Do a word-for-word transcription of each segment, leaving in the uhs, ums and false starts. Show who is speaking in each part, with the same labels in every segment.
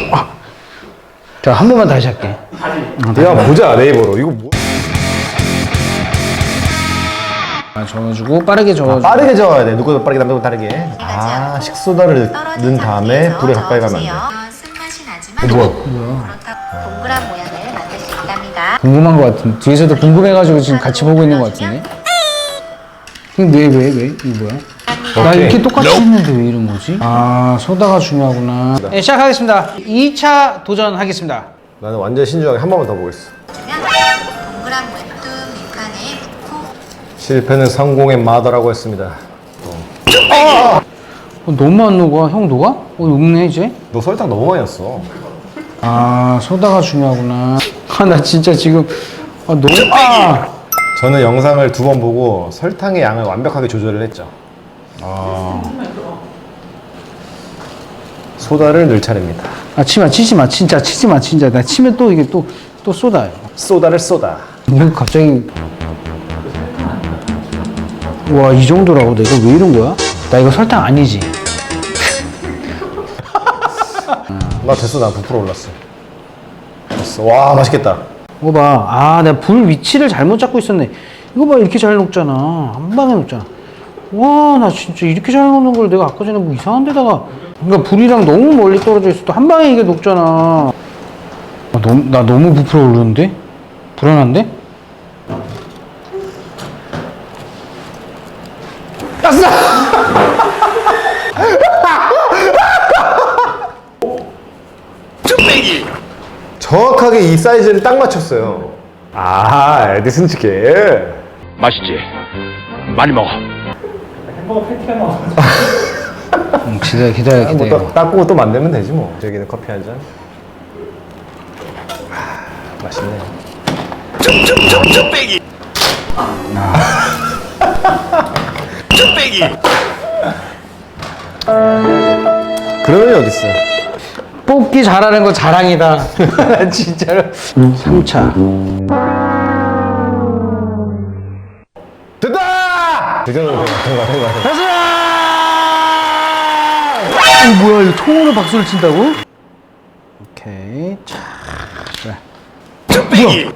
Speaker 1: 아. 자, 한 번만 다시 할게.
Speaker 2: 내가 보자 네이버로. 이거 뭐?
Speaker 1: 아, 저어주고 빠르게 저어주고.
Speaker 2: 아, 빠르게 저어야 돼. 누구보다 빠르게 남들보다 다르게. 아, 식소다를 넣은 다음에 불에 가까이 가면 안 돼.
Speaker 3: 쓴맛이 나지만
Speaker 2: 어, 뭐야?
Speaker 3: 그렇다고 동그란 모양을 만들 수 있답니다.
Speaker 1: 궁금한 것 같은. 뒤에서도 궁금해가지고 지금 같이 보고 있는 것 같은데. 왜, 왜, 왜? 이거 뭐야? 나
Speaker 2: 오케이.
Speaker 1: 이렇게 똑같이 했는데 왜 이런 거지? 아, 소다가 중요하구나. 네, 시작하겠습니다. 이 차 도전하겠습니다.
Speaker 2: 나는 완전 신중하게 한 번만 더 보겠어.
Speaker 3: 동그란 웹툰 밑판에 코
Speaker 2: 실패는 성공의 마더라고 했습니다.
Speaker 1: 어, 너무 안 녹아. 형 녹아? 어, 녹네, 이제?
Speaker 2: 너 설탕 너무 많이 넣었어.
Speaker 1: 아, 소다가 중요하구나. 아, 나 진짜 지금. 아, 너무. 아!
Speaker 2: 저는 영상을 두 번 보고 설탕의 양을 완벽하게 조절을 했죠. 아. 소다를 넣을 차례입니다.
Speaker 1: 아, 치마, 치지 마. 진짜, 치지 마. 진짜. 나 치면 또 이게 또, 또 쏟아요.
Speaker 2: 소다를 쏟아.
Speaker 1: 이거 갑자기. 와, 이 정도라고? 내가 왜 이런 거야? 나 이거 설탕 아니지?
Speaker 2: 나 됐어. 나 부풀어 올랐어. 됐어. 와, 맛있겠다.
Speaker 1: 이거 봐. 아, 내가 불 위치를 잘못 잡고 있었네. 이거 봐. 이렇게 잘 녹잖아. 한 방에 녹잖아. 와, 나 진짜 이렇게 잘 녹는 걸 내가 아까 전에 뭐 이상한 데다가. 그러니까 불이랑 너무 멀리 떨어져 있어도 한 방에 이게 녹잖아. 아, 너무, 나 너무 부풀어 오르는데? 불안한데? 아싸!
Speaker 2: 정확하게 이 사이즈를 딱 맞췄어요. 아, 에디슨 치킨.
Speaker 4: 맛있지? 많이 먹어.
Speaker 1: 응, 기다려, 기다려,
Speaker 2: 뭐
Speaker 1: 기다려.
Speaker 2: 또, 닦고 또 만들면 되지 뭐. 저기는 커피 한 잔. 아, 맛있네.
Speaker 4: 쭈빼기. 쭈빼기.
Speaker 2: 그런 일 어딨어.
Speaker 1: 뽑기 잘하는 거 자랑이다. 진짜로. 삼 차.
Speaker 2: 됐다! 그 정도면 된 거야, 된 거야, 된 거야.
Speaker 1: 어, 뭐야, 이거 통으로 박수를 친다고? 오케이. 자, 그래.
Speaker 4: 쭈빼기.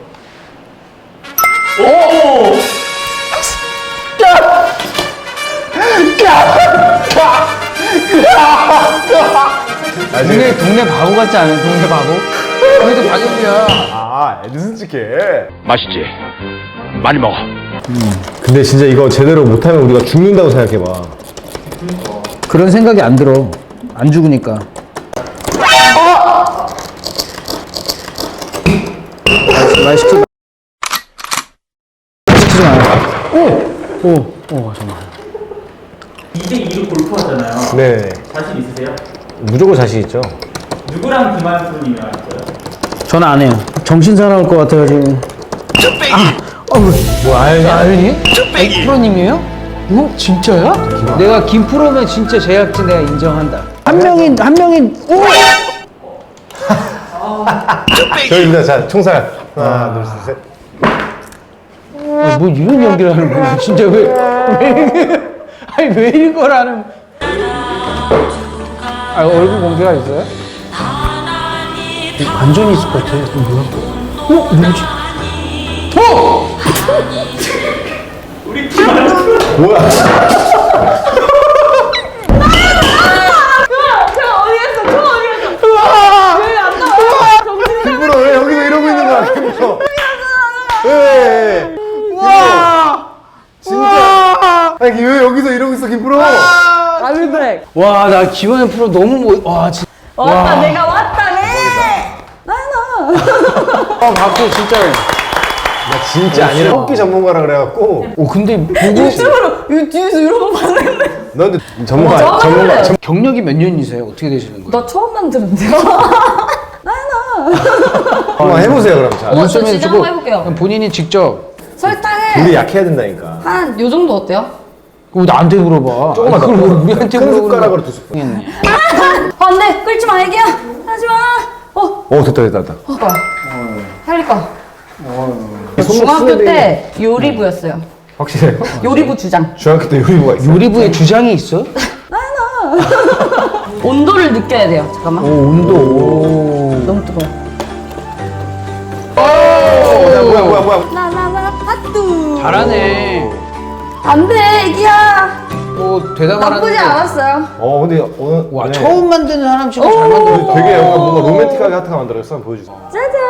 Speaker 1: 동네, 동네 바보 같지 않아요? 동네 바보? 그래도 박연비야.
Speaker 2: 아, 에디슨 치킨.
Speaker 4: 맛있지? 많이 먹어.
Speaker 2: 근데 진짜 이거 제대로 못하면 우리가 죽는다고 생각해봐.
Speaker 1: 그런 생각이 안 들어. 안 죽으니까. 말 시키지 시키지 마. 오! 오! 오, 잠깐만.
Speaker 5: 이 대 이로 골프 하잖아요.
Speaker 2: 네.
Speaker 5: 자신 있으세요?
Speaker 2: 무조건 자신 있죠.
Speaker 5: 누구랑 김한수님이 왔어요?
Speaker 1: 전화 안 해요. 정신 사나울 것 같아가지고.
Speaker 4: 쭈빼기.
Speaker 1: 어, 뭐, 아윤이? 아윤이?
Speaker 4: 쭈빼기.
Speaker 1: 프로님이에요? 어? 진짜야? 내가 김프로면 진짜 제작진 내가 인정한다. 한 명이, 한 명이, 오!
Speaker 2: 저희입니다. 자, 총살. 하나, 둘, 셋.
Speaker 1: 아, 뭐 이런 연기를 하는 거야? 진짜 왜, 왜, 아니, 왜 이거라는. 아, 얼굴 공개가 있어요? 완전히 있을 것 같아. 이거 뭐야? 어? 뭐지? 어!
Speaker 2: 뭐야? 김프로 왜 여기서 이러고 있는 거야, 김프로? 왜? 와! 진짜. 아니, 왜 여기서 이러고 있어, 김프로?
Speaker 6: 아유 그래.
Speaker 1: 와, 나 기원의 프로 너무 뭐, 와, 진짜.
Speaker 6: 왔다 내가 왔다네. 나나.
Speaker 1: 아, 박수 진짜.
Speaker 2: 나 진짜 아니라 뽑기 전문가라 그래갖고.
Speaker 1: 오, 근데 보고
Speaker 6: 유튜브로 이 뒤에서 이러고 봤는데.
Speaker 2: 너 근데 전문가,
Speaker 6: 어,
Speaker 2: 전문가. 전...
Speaker 1: 경력이 몇 년이세요? 어떻게 되시는 거예요?
Speaker 6: 나 처음만 들었는데요. 나나.
Speaker 2: 한번 해보세요, 그럼. 자.
Speaker 6: 어, 저
Speaker 1: 눈썹에
Speaker 6: 진짜
Speaker 1: 주고
Speaker 6: 한번 해볼게요.
Speaker 1: 그냥 본인이 직접.
Speaker 6: 설탕을
Speaker 2: 우리 약해야 된다니까.
Speaker 6: 한 요 정도 어때요?
Speaker 1: 그거 나한테 물어봐.
Speaker 2: 조금만
Speaker 1: 아니,
Speaker 2: 더.
Speaker 1: 그걸 왜 우리한테
Speaker 2: 큰
Speaker 1: 물어보는
Speaker 2: 숟가락으로
Speaker 1: 거야?
Speaker 2: 두 스푼.
Speaker 1: 했네.
Speaker 6: 안돼 끓지 마 애기야. 하지 마. 어.
Speaker 2: 오, 됐다, 됐다, 됐다.
Speaker 6: 어. 살릴까?
Speaker 2: 손목
Speaker 6: 중학교
Speaker 2: 쓰는데
Speaker 6: 때 요리부였어요.
Speaker 2: 확실해요?
Speaker 6: 요리부 주장.
Speaker 2: 중학교 때 요리부가 있어.
Speaker 1: 요리부에 주장이 있어?
Speaker 6: 온도를 느껴야 돼요. 잠깐만.
Speaker 1: 오, 온도. 오.
Speaker 6: 너무 뜨거워.
Speaker 2: 오, 야, 뭐야 뭐야 뭐야.
Speaker 6: 나나나 파뚜.
Speaker 1: 잘하네.
Speaker 6: 안 돼, 애기야.
Speaker 1: 오, 대단하네.
Speaker 6: 나쁘지 않았어요.
Speaker 2: 어 근데 오늘
Speaker 1: 와,
Speaker 2: 네.
Speaker 1: 처음 만드는 사람 치고 잘 만들었다.
Speaker 2: 되게 약간 뭔가 로맨틱하게 하트가 만들어졌어. 한번 보여주세요.
Speaker 6: 짜잔.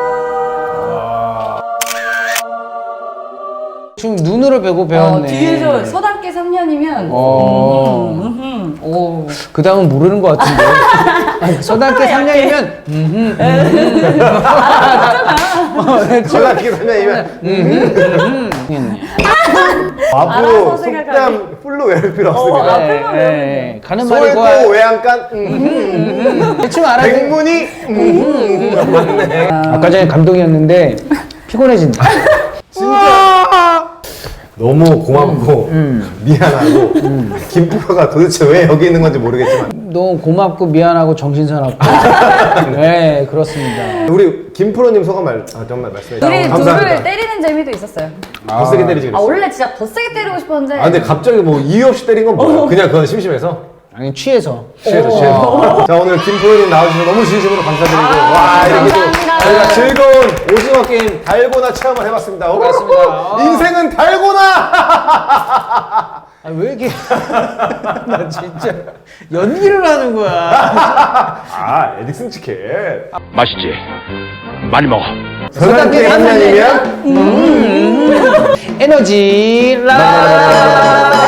Speaker 1: 지금 눈으로 배고
Speaker 6: 어,
Speaker 1: 배웠네.
Speaker 6: 뒤에서 서당계 삼 년이면.
Speaker 1: 어.
Speaker 6: 음, 음, 오.
Speaker 1: 그 다음은 모르는 것 같은데. 아니, 서당계 삼 년이면, 음흠, 음흠.
Speaker 2: 제가 기삼년이면
Speaker 1: 음.
Speaker 2: 앞으로
Speaker 6: 알아서 생각하게.
Speaker 2: 속담 풀로 외울 필요
Speaker 6: 어,
Speaker 2: 없습니다.
Speaker 6: 앞에
Speaker 1: 예, 예. 가는 말이
Speaker 2: 솔고
Speaker 1: 고와.
Speaker 2: 외양간 음,
Speaker 1: 대충 알아야 돼.
Speaker 2: 백문이 음, 맞네.
Speaker 1: 아까 전에 감동이었는데, 피곤해진다.
Speaker 2: 진짜 너무 고맙고 미안하고 김프로가 도대체 왜 여기 있는 건지 모르겠지만
Speaker 1: 너무 고맙고 미안하고 정신사납고. 네, 그렇습니다.
Speaker 2: 우리 김프로님 소감 말 아, 정말 말씀해 주세요.
Speaker 6: 우리
Speaker 2: 감사합니다.
Speaker 6: 둘을 때리는 재미도 있었어요.
Speaker 2: 더 세게 때리지
Speaker 6: 아,
Speaker 2: 그랬어.
Speaker 6: 원래 진짜 더 세게 때리고 싶었는데.
Speaker 2: 아 근데 갑자기 뭐 이유 없이 때린 건 뭐야? 그냥 그건 심심해서.
Speaker 1: 아니, 취해서.
Speaker 2: 취해서 취해서. 자 오늘 김프로님 나와주셔서 너무 진심으로 감사드리고 와 이렇게 또
Speaker 6: 감사합니다.
Speaker 2: 저희가 즐거운 오징어 게임 달고나 체험을 해봤습니다. 오,
Speaker 1: 맞습니다.
Speaker 2: 인생은 달고나.
Speaker 1: 아, 왜 이렇게. 나 진짜. 연기를 하는 거야.
Speaker 2: 아 에딕슨 치킨.
Speaker 4: 맛있지? 많이 먹어.
Speaker 2: 서당계 한 년이면
Speaker 1: 에너지 라.